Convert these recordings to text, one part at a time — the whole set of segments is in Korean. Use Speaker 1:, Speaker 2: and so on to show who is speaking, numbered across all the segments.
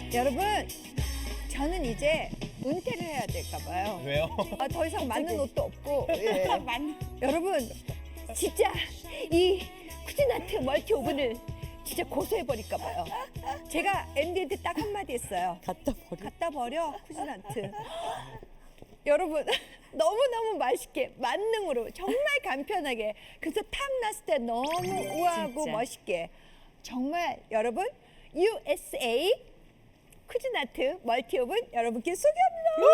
Speaker 1: 여러분, 저는 이제 은퇴를 해야 될까 봐요.
Speaker 2: 왜요?
Speaker 1: 더 이상 맞는 옷도 없고. 예. 여러분, 진짜 이 쿠진아트 멀티 오븐을 진짜 고소해버릴까 봐요. 제가 MD한테 딱 한마디 했어요. 갖다 버려, 쿠진아트. 여러분, 너무너무 맛있게 만능으로 정말 간편하게, 그래서 탐났을 때 너무 우아하고
Speaker 3: 진짜.
Speaker 1: 멋있게, 정말 여러분 USA 쿠진아트 멀티오븐 여러분께 소개합니다.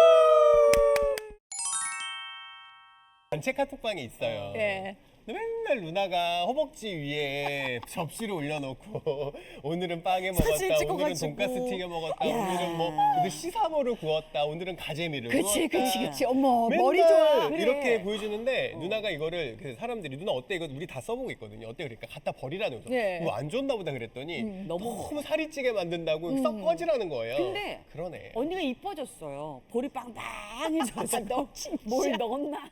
Speaker 2: 단체 카톡방에 있어요.
Speaker 1: 네.
Speaker 2: 근데 맨날 누나가 허벅지 위에 접시를 올려놓고 오늘은 빵에 먹었다,
Speaker 3: 사진
Speaker 2: 오늘은
Speaker 3: 찍어가지고.
Speaker 2: 돈가스 튀겨 먹었다,
Speaker 3: 야.
Speaker 2: 오늘은 뭐 오늘 시사모를 구웠다, 오늘은 가재미를
Speaker 1: 그치,
Speaker 2: 구웠다.
Speaker 1: 그치, 그치. 어머,
Speaker 2: 맨날
Speaker 1: 머리 좋아.
Speaker 2: 이렇게 보여주는데 누나가 이거를 그래서 사람들이 누나 어때 이거 우리 다 써보고 있거든요. 어때 그러니까 갖다 버리라는 거죠.
Speaker 1: 네.
Speaker 2: 이거 안 좋나 보다 그랬더니
Speaker 3: 너무
Speaker 2: 너무 살이 찌게 만든다고 썩 꺼지라는 거예요.
Speaker 3: 근데
Speaker 2: 그러네.
Speaker 3: 언니가 이뻐졌어요. 볼이 빵빵해져서
Speaker 1: 너 진짜.
Speaker 3: 뭘 넣었나?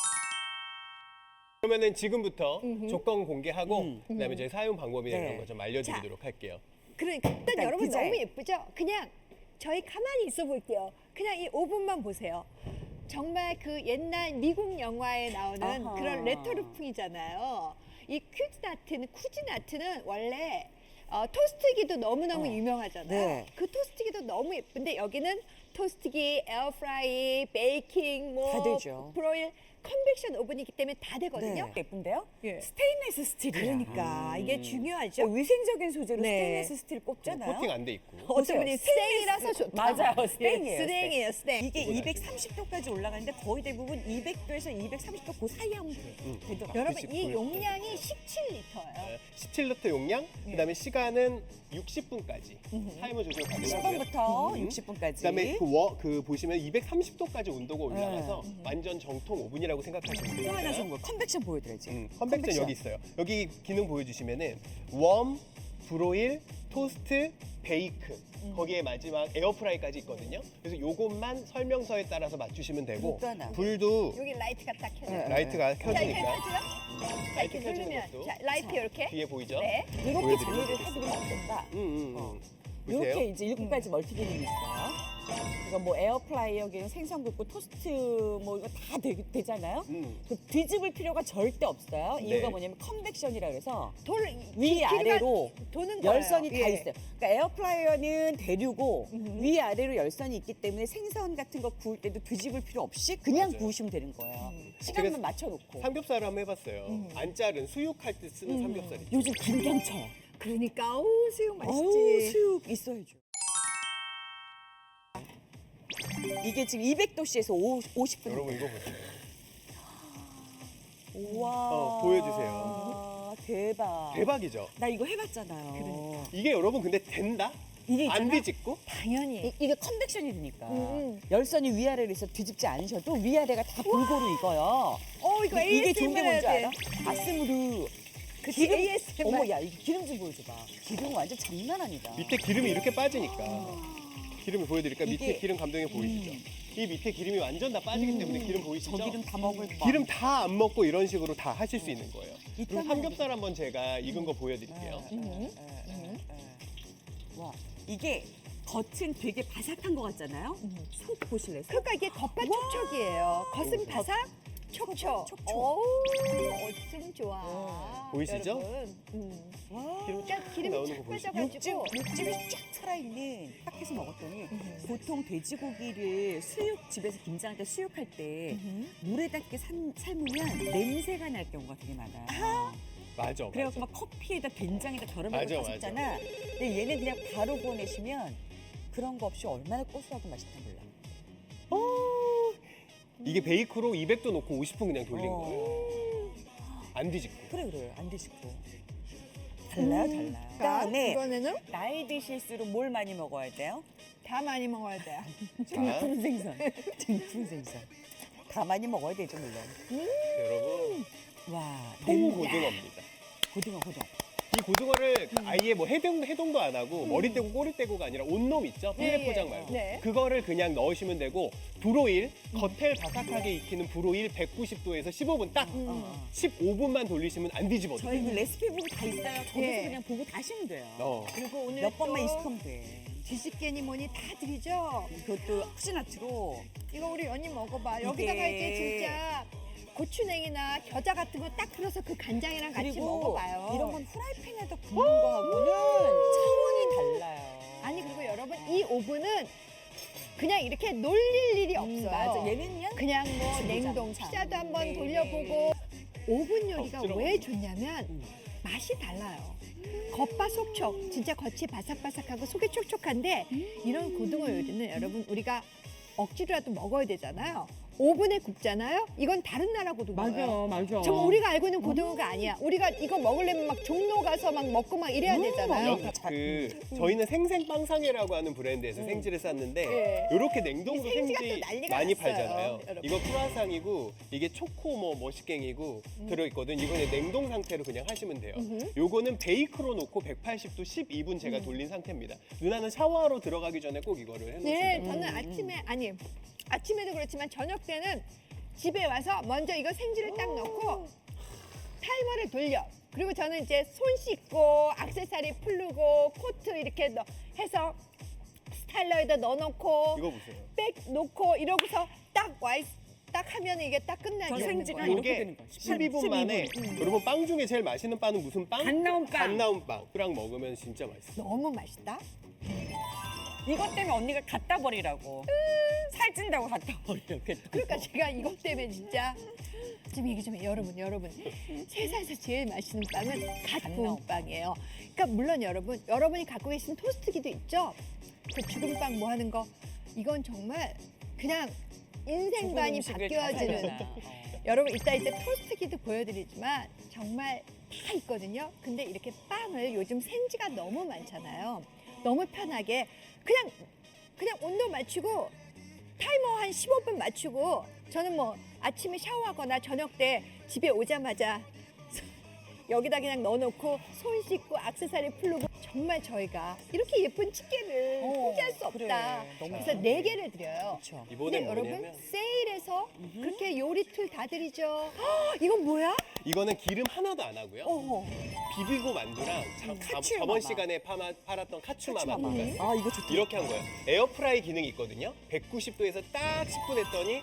Speaker 2: 그러면은 지금부터 조건 공개하고
Speaker 3: 음.
Speaker 2: 그다음에 저희 사용 방법이나
Speaker 3: 네.
Speaker 2: 이런 거 좀 알려드리도록 할게요.
Speaker 1: 그러니까 일단 여러분
Speaker 3: 디자인.
Speaker 1: 너무 예쁘죠? 그냥 저희 가만히 있어 볼게요. 그냥 이 5분만 보세요. 정말 그 옛날 미국 영화에 나오는
Speaker 3: 아하.
Speaker 1: 그런 레토르풍이잖아요. 이 쿠진아트는 원래 토스트기도 너무너무 유명하잖아요.
Speaker 3: 네.
Speaker 1: 그 토스트기도 너무 예쁜데 여기는 토스트기, 에어프라이, 베이킹,
Speaker 3: 다
Speaker 1: 뭐
Speaker 3: 되죠.
Speaker 1: 브로일, 컨벡션 오븐이기 때문에 다 되거든요.
Speaker 3: 네. 예쁜데요?
Speaker 1: 예.
Speaker 3: 스테인레스 스틸이야.
Speaker 1: 그러니까 이게 중요하죠.
Speaker 3: 위생적인 소재로
Speaker 1: 네.
Speaker 3: 스테인레스 스틸 꼽잖아요.
Speaker 2: 코팅 안 돼 있고.
Speaker 1: 어떤 분이 스테인이라서 좋다.
Speaker 3: 맞아요, 스테인이에요,
Speaker 1: 스테인이에요, 스테인.
Speaker 3: 이게
Speaker 2: 그건
Speaker 3: 230도까지 올라가는데 거의 대부분 200도에서 230도 그 사이 하면 되더라고요.
Speaker 1: 여러분
Speaker 2: 그치,
Speaker 1: 이
Speaker 2: 불.
Speaker 1: 용량이 17리터예요.
Speaker 2: 17리터 용량, 그다음에 시간은 60분까지 타이머 조절 가능하고요.
Speaker 3: 10분부터 60분까지.
Speaker 2: 그다음에 그 보시면 230도까지 온도가 올라가서 완전 정통 오븐이라고 생각하시면 돼요.
Speaker 3: 또 하나 좋은 거 컨벡션 보여드려야지.
Speaker 2: 컨벡션 여기 있어요. 여기 기능 보여주시면은 웜, 브로일, 토스트, 베이크 거기에 마지막 에어프라이까지 있거든요. 그래서 요것만 설명서에 따라서 맞추시면 되고
Speaker 3: 또 하나.
Speaker 2: 불도
Speaker 1: 여기 라이트가 딱 켜져요.
Speaker 3: 네.
Speaker 2: 라이트가
Speaker 1: 자, 이렇게
Speaker 2: 켜지니까
Speaker 1: 켜져요? 자,
Speaker 2: 라이트
Speaker 1: 이렇게
Speaker 2: 켜지는
Speaker 1: 누르면
Speaker 2: 것도.
Speaker 1: 자, 라이트 이렇게.
Speaker 2: 뒤에 보이죠?
Speaker 1: 네.
Speaker 3: 이렇게
Speaker 2: 보여드리도록
Speaker 3: 정리를 해드리면 어떨까?
Speaker 2: 보세요.
Speaker 3: 이렇게 이제 7가지 멀티 기능이 있어요. 이거 뭐 에어프라이어기는 생선 굽고 토스트 뭐 이거 다 되잖아요. 그 뒤집을 필요가 절대 없어요.
Speaker 2: 네.
Speaker 3: 이유가 뭐냐면 컨벡션이라 그래서
Speaker 1: 돌
Speaker 3: 위아래로
Speaker 1: 도는 거예요.
Speaker 3: 열선이 다
Speaker 1: 예.
Speaker 3: 있어요. 그러니까 에어프라이어는 대류고 위아래로 열선이 있기 때문에 생선 같은 거 구울 때도 뒤집을 필요 없이 그냥
Speaker 2: 맞아요.
Speaker 3: 구우시면 되는 거예요. 시간만
Speaker 2: 제가
Speaker 3: 맞춰놓고.
Speaker 2: 삼겹살을 한번 해봤어요. 안 자른 수육할 때 쓰는 삼겹살이.
Speaker 3: 요즘 김장철.
Speaker 1: 그러니까 어우 수육 맛있지.
Speaker 3: 어우, 수육 있어야죠. 이게 지금 200도씨에서 50분.
Speaker 2: 여러분 이거 보세요.
Speaker 3: 우와.
Speaker 2: 보여주세요.
Speaker 3: 대박.
Speaker 2: 대박이죠?
Speaker 3: 나 이거 해봤잖아요.
Speaker 2: 이게 여러분 근데 된다?
Speaker 3: 이게
Speaker 2: 안
Speaker 3: 있잖아.
Speaker 2: 뒤집고?
Speaker 1: 당연히.
Speaker 3: 이게 컨벡션이 되니까
Speaker 1: 음.
Speaker 3: 열선이 위아래로 있어 뒤집지 않으셔도 위아래가 다 골고루 익어요.
Speaker 1: 이거
Speaker 3: 이게 좋은 게
Speaker 1: ASMR
Speaker 3: 뭔지
Speaker 1: 해야
Speaker 3: 알아?
Speaker 1: 돼.
Speaker 3: 아스무르.
Speaker 1: 그치, ASMR.
Speaker 3: 어머, 야, 이거 기름 좀 보여줘봐. 기름 완전 장난 아니다.
Speaker 2: 밑에 기름이 이렇게 빠지니까 기름을 보여드릴까? 밑에
Speaker 3: 이게-
Speaker 2: 기름 감독님 보이시죠? 이 밑에 기름이 완전 다 빠지기 때문에 기름 보이시죠?
Speaker 3: 저 기름 다 먹을 거.
Speaker 2: 기름 다 안 먹고 이런 식으로 다 하실 수 있는 거예요. 그리고
Speaker 3: 이따가
Speaker 2: 삼겹살 한번 제가 익은 거 보여드릴게요.
Speaker 3: 와, 이게 겉은 되게 바삭한 것 같잖아요. 속 보실래요? 속?
Speaker 1: 그러니까 이게 겉바촉촉이에요. 겉은 바삭, 촉촉.
Speaker 3: 촉촉.
Speaker 1: 어우, 어쩜 좋아.
Speaker 2: 보이시죠?
Speaker 1: 여러분.
Speaker 3: 와,
Speaker 1: 그러니까 기름이
Speaker 2: 나오는
Speaker 1: 쫙
Speaker 2: 거 보이시죠?
Speaker 1: 빠져가지고.
Speaker 3: 육즙이 쫙 살아있는 딱 해서 먹었더니 보통 돼지고기를 집에서 김장할 때 수육할 때 물에다 이렇게 삶으면 냄새가 날 경우가 되게 많아요.
Speaker 2: 맞아,
Speaker 3: 그래갖고
Speaker 2: 맞아.
Speaker 3: 막 커피에다 된장에다 덜어
Speaker 2: 맞아,
Speaker 3: 먹고 싶잖아. 근데 얘는 그냥 바로 구워내시면 그런 거 없이 얼마나 고소하고 맛있다 몰라.
Speaker 2: 이게 베이크로 200도 놓고 50분 그냥 돌린
Speaker 3: 어.
Speaker 2: 거예요. 안 뒤집고.
Speaker 3: 그래 안 드시고 달라요.
Speaker 1: 자,
Speaker 3: 그다음에
Speaker 1: 이번에는
Speaker 3: 나이 드실수록 뭘 많이 먹어야 돼요?
Speaker 1: 다 많이 먹어야 돼요.
Speaker 3: 등푸른 생선. 등푸른 생선. 다 많이 먹어야 되죠 물론.
Speaker 2: 여러분,
Speaker 3: 와,
Speaker 2: 통고등어입니다.
Speaker 3: 고등어.
Speaker 2: 이 고등어를 아예 뭐 해동도 안 하고 머리 떼고 꼬리 떼고가 아니라 온놈 있죠? 필레
Speaker 1: 예,
Speaker 2: 포장
Speaker 1: 예.
Speaker 2: 말고.
Speaker 1: 네.
Speaker 2: 그거를 그냥 넣으시면 되고 브로일, 겉을 바삭하게 익히는 브로일 190도에서 15분 딱 15분만 돌리시면 안 뒤집어져요.
Speaker 3: 저희 그 레시피 보고 다 있어요. 거기서
Speaker 1: 예.
Speaker 3: 그냥 보고 다 하시면 돼요.
Speaker 2: 어.
Speaker 1: 그리고 오늘
Speaker 3: 몇 번만
Speaker 1: 또
Speaker 3: 익숙하면 돼.
Speaker 1: 뒤집개니 뭐니 다 드리죠.
Speaker 3: 이것도 쿠지나트로
Speaker 1: 이거 우리 연이 먹어봐. 여기다가 이제 진짜 고추냉이나 겨자 같은 거 딱 풀어서 그 간장이랑 같이
Speaker 3: 그리고
Speaker 1: 먹어봐요.
Speaker 3: 이런 건 프라이팬에다 굽는 거하고는 차원이 달라요.
Speaker 1: 아니 그리고 여러분 이 오븐은 그냥 이렇게 놀릴 일이 없어요.
Speaker 3: 맞아. 얘는요?
Speaker 1: 그냥 뭐
Speaker 3: 주구장
Speaker 1: 냉동
Speaker 3: 참.
Speaker 1: 피자도 한번
Speaker 3: 네,
Speaker 1: 돌려보고 오븐 요리가
Speaker 2: 억지로
Speaker 1: 왜 좋냐면 맛이 달라요. 겉바속촉 진짜 겉이 바삭바삭하고 속이 촉촉한데 이런 고등어 요리는 여러분 우리가 억지로라도 먹어야 되잖아요. 오븐에 굽잖아요. 이건 다른 나라 고등어예요.
Speaker 3: 맞아.
Speaker 1: 정말 우리가 알고 있는 고등어가 아니야. 우리가 이거 먹으려면 막 종로 가서 막 먹고 막 이래야 되잖아요.
Speaker 2: 여기 저희는 생생빵상회라고 하는 브랜드에서 생지를 쌌는데
Speaker 1: 예.
Speaker 2: 이렇게 냉동으로
Speaker 1: 이 생지가
Speaker 2: 생지
Speaker 1: 또 난리가
Speaker 2: 많이
Speaker 1: 났어요,
Speaker 2: 팔잖아요.
Speaker 1: 여러분.
Speaker 2: 이거 크루아상이고 이게 초코 뭐 머시갱이고 들어있거든. 이거는 냉동 상태로 그냥 하시면 돼요. 요거는 베이크로 놓고 180도 12분 제가 돌린 상태입니다. 누나는 샤워하러 들어가기 전에 꼭 이거를 해놓으시면
Speaker 1: 네,
Speaker 2: 돼요.
Speaker 1: 저는 아침에 아니 아침에도 그렇지만 저녁 때는 집에 와서 먼저 이거 생지를 딱 넣고 타이머를 돌려. 그리고 저는 이제 손 씻고 액세서리 풀르고 코트 이렇게 해서 스타일러에다 넣어놓고
Speaker 2: 이거 보세요.
Speaker 1: 백 놓고 이러고서 딱 하면 이게 딱
Speaker 3: 저
Speaker 1: 끝나죠.
Speaker 3: 생지가
Speaker 2: 이게
Speaker 3: 이렇게 되는 거야.
Speaker 2: 12분 만에 여러분 빵 중에 제일 맛있는 빵은 무슨 빵?
Speaker 3: 갓 나온 빵.
Speaker 2: 갓 나온 빵. 그랑 먹으면 진짜 맛있어.
Speaker 1: 너무 맛있다.
Speaker 3: 이것 때문에 언니가 갖다 버리라고. 살찐다고 갖다 버리라고.
Speaker 1: 그러니까 제가 이것 때문에 진짜 좀 얘기 좀 해요. 여러분 세상에서 제일 맛있는 빵은 갓 구운
Speaker 3: 나온
Speaker 1: 빵이에요. 그러니까 물론 여러분이 갖고 계신 토스트기도 있죠. 그 죽은 빵 뭐 하는 거 이건 정말 그냥 인생관이 바뀌어지는 여러분 이따 이제 토스트기도 보여드리지만 정말 다 있거든요. 근데 이렇게 빵을 요즘 생지가 너무 많잖아요. 너무 편하게 그냥 온도 맞추고 타이머 한 15분 맞추고 저는 뭐 아침에 샤워하거나 저녁 때 집에 오자마자 여기다 그냥 넣어놓고 손 씻고 액세서리 풀고 정말 저희가 이렇게 예쁜 집게를 포기할 수 없다.
Speaker 3: 그래. 너무
Speaker 1: 그래서 4개를 드려요.
Speaker 3: 그렇죠.
Speaker 1: 근데
Speaker 2: 이번엔
Speaker 1: 여러분
Speaker 2: 뭐냐면
Speaker 1: 세일해서 그렇게 요리 툴 다 드리죠. 헉, 이건 뭐야?
Speaker 2: 이거는 기름 하나도 안 하고요.
Speaker 1: 어허.
Speaker 2: 비비고 만두랑
Speaker 3: 카츄마마.
Speaker 2: 저번 시간에 팔았던 카츄마마 돈가스
Speaker 3: 아 이거 좋다.
Speaker 2: 이렇게 한 거예요. 에어프라이 기능이 있거든요. 190도에서 딱 10분 했더니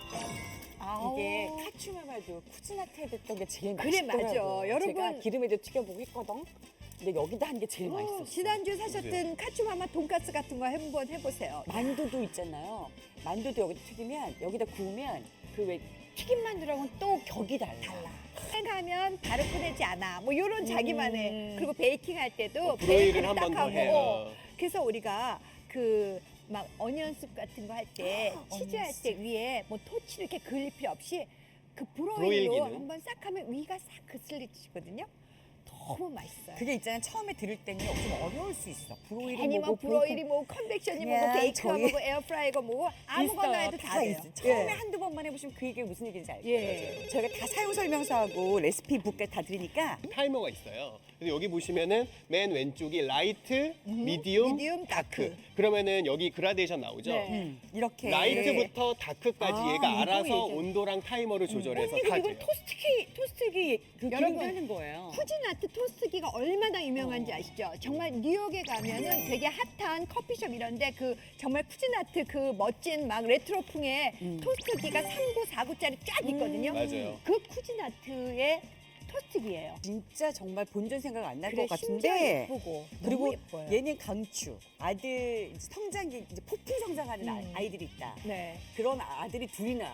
Speaker 3: 이게 카츄마마도 쿠지나트에 됐던 게 제일
Speaker 1: 그래,
Speaker 3: 맛있더라고요.
Speaker 1: 맞아. 여러분.
Speaker 3: 제가 기름에도 튀겨보고 했거든. 근데 여기다 한 게 제일 맛있었어.
Speaker 1: 지난주 사셨던 카츠마마 돈가스 같은 거 한번 해보세요.
Speaker 3: 만두도 있잖아요. 만두도 여기다 튀기면 여기다 구우면 그 왜 튀김 만두랑은 또 격이 달라.
Speaker 1: 생하면 바로 꺼내지 않아. 뭐 이런 자기만의 그리고 베이킹 할 때도
Speaker 2: 브로일을
Speaker 1: 베이킹
Speaker 2: 한 번
Speaker 1: 딱
Speaker 2: 더
Speaker 1: 하고.
Speaker 2: 해요.
Speaker 1: 그래서 우리가 그 막 어니언숲 같은 거 할 때 치즈 할 때 위에 뭐 토치 이렇게 그릴 필요 없이 그
Speaker 2: 브로일
Speaker 1: 브로일로
Speaker 2: 기능.
Speaker 1: 한번 싹 하면 위가 싹 그슬리지거든요. 너무 맛있어요.
Speaker 3: 그게 있잖아요. 처음에 들을 때는 좀 어려울 수 있어. 브로일이
Speaker 1: 괜히 뭐
Speaker 3: 뭐고
Speaker 1: 브로일이 뭐 컨벡션이 뭐고
Speaker 3: 그냥
Speaker 1: 베이크가
Speaker 3: 저희-
Speaker 1: 뭐고 에어프라이가 뭐고 아무거나 해도 다 돼요.
Speaker 3: 있어. 처음에
Speaker 1: 예.
Speaker 3: 한두 번만 해보시면 그게 무슨 얘기인지 알죠.
Speaker 1: 예.
Speaker 3: 저희가 다 사용 설명서하고 레시피 북까지 다 드리니까
Speaker 2: 타이머가 있어요. 그래서 여기 보시면은 맨 왼쪽이 라이트, 미디움,
Speaker 1: 미디움,
Speaker 2: 다크.
Speaker 1: 다크.
Speaker 2: 그러면은 여기 그라데이션 나오죠?
Speaker 1: 네.
Speaker 3: 이렇게
Speaker 2: 라이트부터 다크까지
Speaker 3: 아,
Speaker 2: 얘가
Speaker 3: 이거
Speaker 2: 알아서
Speaker 3: 얘기해.
Speaker 2: 온도랑 타이머를 조절해서
Speaker 3: 언니가
Speaker 2: 다
Speaker 3: 이걸
Speaker 2: 돼요.
Speaker 3: 토스트기 그
Speaker 1: 여러분,
Speaker 3: 기름도 하는 거예요.
Speaker 1: 쿠지나트 토스트기가 얼마나 유명한지 아시죠? 정말 뉴욕에 가면은 되게 핫한 커피숍 이런데 그 정말 쿠지나트 그 멋진 막 레트로풍의 토스트기가 3구, 4구짜리 쫙 있거든요.
Speaker 2: 맞아요.
Speaker 1: 그 쿠지나트의 토스트기예요.
Speaker 3: 진짜 정말 본전 생각 안 날
Speaker 1: 그래,
Speaker 3: 것
Speaker 1: 심지어
Speaker 3: 같은데
Speaker 1: 예쁘고
Speaker 3: 그리고
Speaker 1: 너무 예뻐요.
Speaker 3: 얘는 강추 아들 이제 성장기 이제 폭풍 성장하는 아이들이 있다.
Speaker 1: 네.
Speaker 3: 그런 아들이 둘이다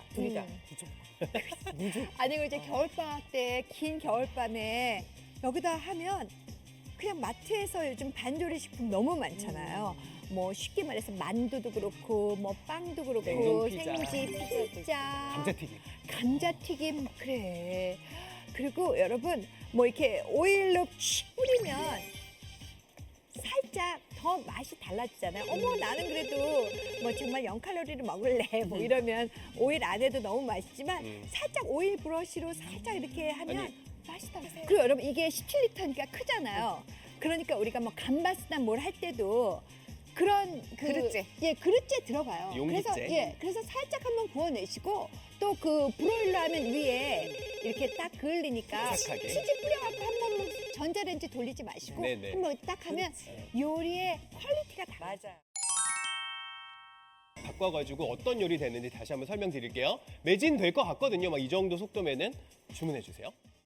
Speaker 3: 무조건
Speaker 1: 아니 그 이제 겨울방학 때 긴 겨울밤에 여기다 하면 그냥 마트에서 요즘 반조리 식품 너무 많잖아요. 뭐 쉽게 말해서 만두도 그렇고 뭐 빵도 그렇고
Speaker 2: 냉동 피자.
Speaker 1: 생지 피자,
Speaker 2: 감자튀김.
Speaker 1: 감자튀김 그래. 그리고 여러분 뭐 이렇게 오일로 칙 뿌리면 살짝 더 맛이 달라지잖아요. 어머 나는 그래도 뭐 정말 0칼로리를 먹을래 뭐 이러면 오일 안 해도 너무 맛있지만 살짝 오일 브러쉬로 살짝 이렇게 하면
Speaker 2: 아니.
Speaker 1: 맛이 달라요. 그리고 여러분 이게 17리터니까 크잖아요. 그러니까 우리가 뭐 감바스나 뭘 할 때도 그런 그
Speaker 3: 그릇째.
Speaker 1: 예 그릇째 들어가요.
Speaker 2: 용기째.
Speaker 1: 그래서 살짝 한번 구워내시고 또 그 브로일러 하면 위에 이렇게 딱 그을리니까
Speaker 2: 바삭하게.
Speaker 1: 치즈 뿌려갖고 한번 뭐 전자레인지 돌리지 마시고
Speaker 2: 네네.
Speaker 1: 한번 딱 하면 요리의 퀄리티가 달라요.
Speaker 3: 맞아요.
Speaker 2: 바꿔가지고 어떤 요리 되는지 다시 한번 설명드릴게요. 매진 될 것 같거든요. 막 이 정도 속도면은 주문해 주세요.